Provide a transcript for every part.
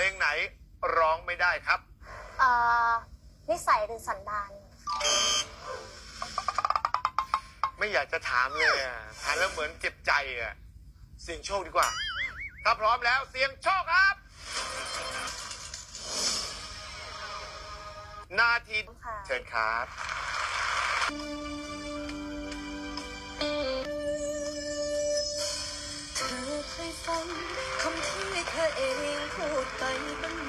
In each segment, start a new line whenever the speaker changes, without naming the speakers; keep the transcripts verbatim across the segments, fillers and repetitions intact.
ลงไหนร้องไม่ได้ครับ
เอ่อนิสัยหรือสันดาน
ไม่อยากจะถามเลยอะถามแล้วเหมือนเจ็บใจอ่ะเสี่ยงโชคดีกว่า ถ้าพร้อมแล้วเสี่ยงโชคครับ นาทีเชิญครับ
เธอเคยฟังคำที่เธอเองพูดไปบ้างไหม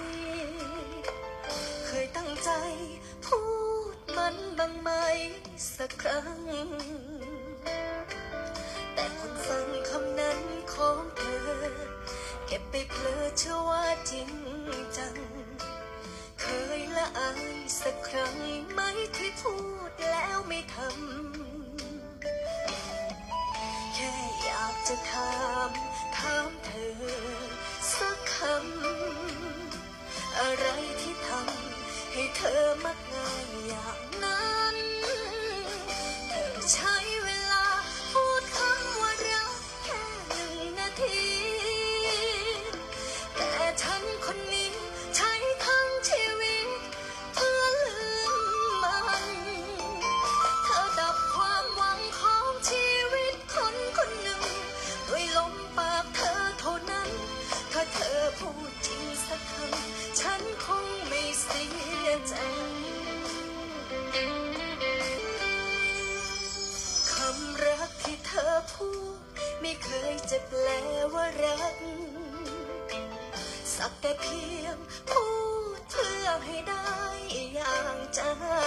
เคยตั้งใจพูดมันบ้างไหมสักครั้งแต่คนฟังคำนั้นของเธอเก็บไปเพลอเชื่อว่าจริงจังเคยละอายสักครั้งไหมที่พูดแล้วไม่ทำแค่อยากจะถามถามเธอสักคำอะไรที่ทำให้เธอมักง่ายอย่างนั้นเธอใช้เวลาพูดคำว่ารักแค่หนึ่งนาทีแต่ฉันคนนี้ใช้ทั้งชีวิตเพื่อลืมมันเธอดับความหวังของชีวิตคนคนหนึ่งด้วยลมปากเธอเท่านั้นถ้าเธอพูดจริงสักคำฉันคงไม่เสียใจคำรักที่เธอพูดไม่เคยจะแปลว่ารักสักแต่เพียงพูดเพื่อให้ได้อย่างใจ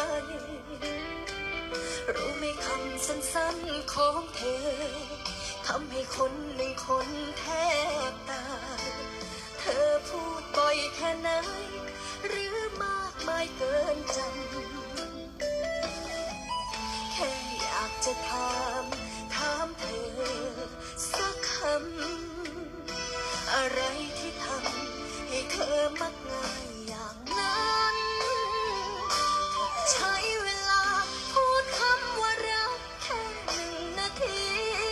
รู้ไหมคำสั้นๆของเธอทำให้คนหนึ่งคนแทบตายเธอพูดบ่อยแค่ไหนหรือมากมายเกินจำแค่อยากจะถามถามเธอสักคำอะไรที่ทำให้เธอมักง่ายอย่างนั้นใช้เวลาพูดคำว่ารักแค่หนึ่งนาที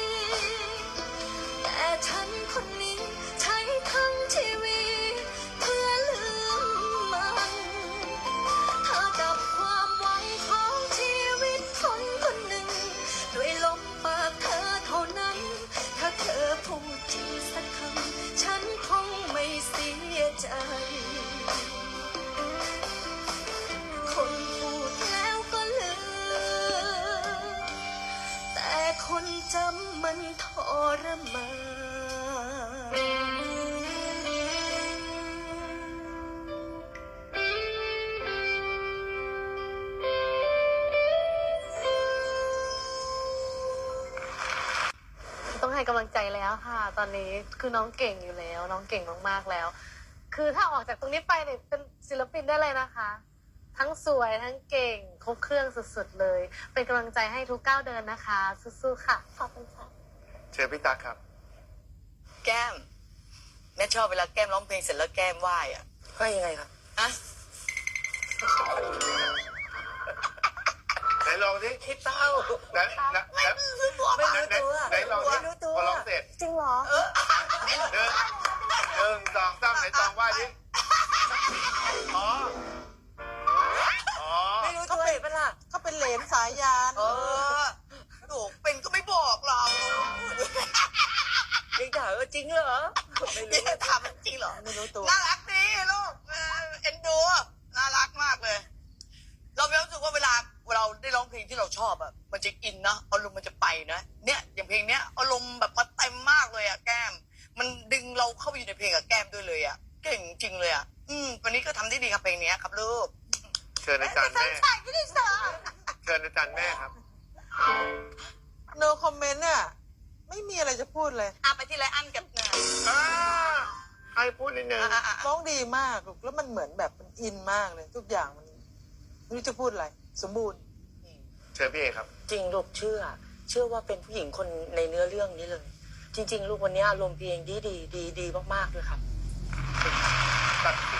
แต่ฉันคนนี้ใช้ทั้งชีวิตเพื่อลืมมันเธอดับความหวังของชีวิตคนคนหนึ่งด้วยลมปากเธอเท่านั้นถ้าเธอพูดจริงสักคำฉันคงไม่เสียใจคนพูดแล้วก็ลืมแต่คนจำมันทรมาน
ต้องให้กำลังใจแล้วค่ะ ตอนนี้คือน้องเก่งอยู่แล้ว น้องเก่งมากๆแล้ว คือถ้าออกจากตรงนี้ไปเนี่ยเป็นศิลปินได้เลยนะคะ ทั้งสวยทั้งเก่งครบเครื่องสุดๆเลย เป็นกำลังใจให้ทุกก้าวเดินนะคะสู้ๆค่ะ
ขอบคุณค่ะ
เชิญพี่ตั๊กครับ
แก้มแม่ชอบเวลาแก้มร้องเพลงเสร็จแล้วแก้มไหว้อะไหว้ยังไงครับอะ
ไหนลองดิ
พี่เต้า
ไหนไหนไหน
ไม่รู้ตัว
ไหนไหนไหนลองดิ
ไม่รู้ตัว
พอร้องเสร็จ
จริงเหรอ
หนึ่งหนึ่งสองสามไหนตองไหว้ดิอ๋ออ๋อ
ไม่รู้
เขา
ตัว
เป็นล่ะเขาเป็นเหลนสายยาน
เออโดเป็นก็ไม่บอกเราเด็กถามว่าจริงเหรอไม่รู้ถามจริงเหรอ
ไม่รู้ตัว
น่ารักดีลูกเออเอ็นดูน่ารักมากเลย เรามีความรู้สึกว่าเวลาเราได้ร้องเพลงที่เราชอบอะมันจะอินนะอารมณ์มันจะไปนะเนี่ยอย่างเพลงเนี้ยอารมณ์แบบมาเต็มมากเลยอะแก้มมันดึงเราเข้าไปอยู่ในเพลงกับแก้มด้วยเลยอะเก่งจริงเลยอะอืมวันนี้ก็ทำได้ดีครับเพลงเนี้ยครับลูก
เชิญอาจารย์แม่
ใช่ไม่ได้สอน
เชิญอาจารย์แม่ครับ
no comment เนี่ยไม่มีอะไรจะพูดเลย
อ่ะไปที่ไรอันกับเนย
อ่าให้พูดนิดนึง
อ่ะอ่ะอ่ะ
ร้องดีมากลูกแล้วมันเหมือนแบบมันอินมากเลย ทุกอย่างมันไม่รู้จะพูดอะไรสมบูรณ์
เชิญพี่เอครับ
จริงลูกเชื่อ เชื่อว่าเป็นผู้หญิงคนในเนื้อเรื่องนี้เลย จริง ๆ ลูกวันนี้อารมณ์เพลงดีดีดีดีมากๆเลยครับ
ตัด